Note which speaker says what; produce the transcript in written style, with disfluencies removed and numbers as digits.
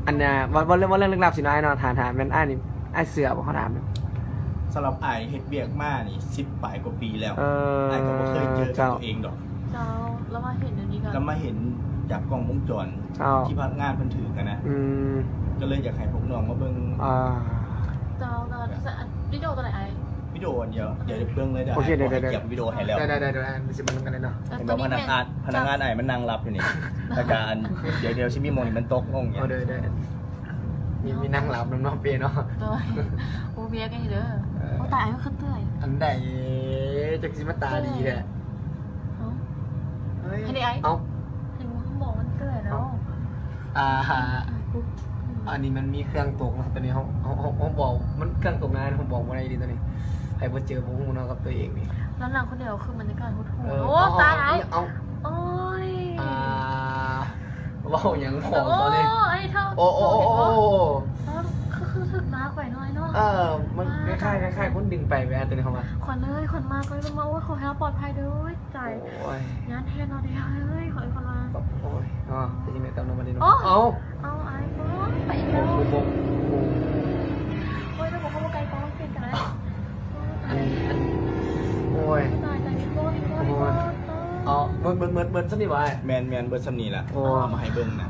Speaker 1: อันน่ะว่าเรื่องลึกลับสิน้อยเนาะถามมันนี่ไอ้เสือบ่เขาถาม
Speaker 2: สำหรับไอ้เฮ็ดเบียกมานี่10 ปลายกว่าปีแล้วไอ้ก็บ่เคยเจอกับตัวเองดอก
Speaker 3: เจ้าแล้วมาเห็นเดี๋ยวนี้กัน
Speaker 2: แล้วมาเห็นจากกล้องวงจรที่พักงานเพิ่นถือกันนะก็เลยอยากให้พวกน้องมาเบิ่ง
Speaker 3: เจ้าวิดีโอตัวไหนไอ้
Speaker 2: วิดีโอเดี๋ยวเบิ่งเลยเดี๋ยว
Speaker 1: โอเคเดี๋ยว
Speaker 2: เก็บวิดีโอให้แล้ว
Speaker 1: ได้มันสิมันกันเลยเนาะ
Speaker 2: เห็นบอกพนักงานไอ้มันนั่งรับอยู่นี่แต่การเดี๋ยวชิมิโมนี่มันตกลงอย่างเงี้ย
Speaker 1: เด้อมีนั่งหลับน้องเปียเนาะ
Speaker 3: ตัวโอเบียกันอยู่เด้อโอ้ตายก็ขึ้นเตื้อย
Speaker 1: อันใดจักสิมาตาดีแหละ
Speaker 3: ให้ได้ไอ้
Speaker 1: เอ้า
Speaker 3: เห็นว่าเขาบอกมันเตื้อยแล้ว
Speaker 1: อันนี้มันมีเครื่องตกนะตอนนี้เขาบอกมันเครื่องตกงานเขาบอกว่าอะไรดีตอนนี้ใครมาเจอผมเนาะกับตัวเองนี่
Speaker 3: แล้วนางคนเดียวคือบรรยากาศโหดโอ้ตายไอ้โอ้ย
Speaker 1: ว่าอย่างของตอนนี้
Speaker 3: ไอ้เท่า
Speaker 1: โอ้
Speaker 3: คือถึกมากกว่าน้อยเนาะ
Speaker 1: มันคล้ายๆคนดึงไปแวะตัวนี้เข้ามา
Speaker 3: ขวัญเลยขวัญมากเลยมาโอ้ยขอให้ปลอดภัยด้วยใจงานแทนเราได้เฮ้ยขอให้คนมา
Speaker 1: โอ้ยจะยิงในเติมน้ำมันดีเนาะ
Speaker 3: เอาไอ้ไปอีกแล้วโอ้ยถ้าบอกเขาว่าไกลป้องเปลี่ยนกันแล้ว
Speaker 1: โอ้ย
Speaker 3: ตายใจนิโก้
Speaker 1: เบิร์ดสักนิดวะ
Speaker 2: แมนเบิร์ดซัมนี่แหละเอามาให้เบิ่งนะ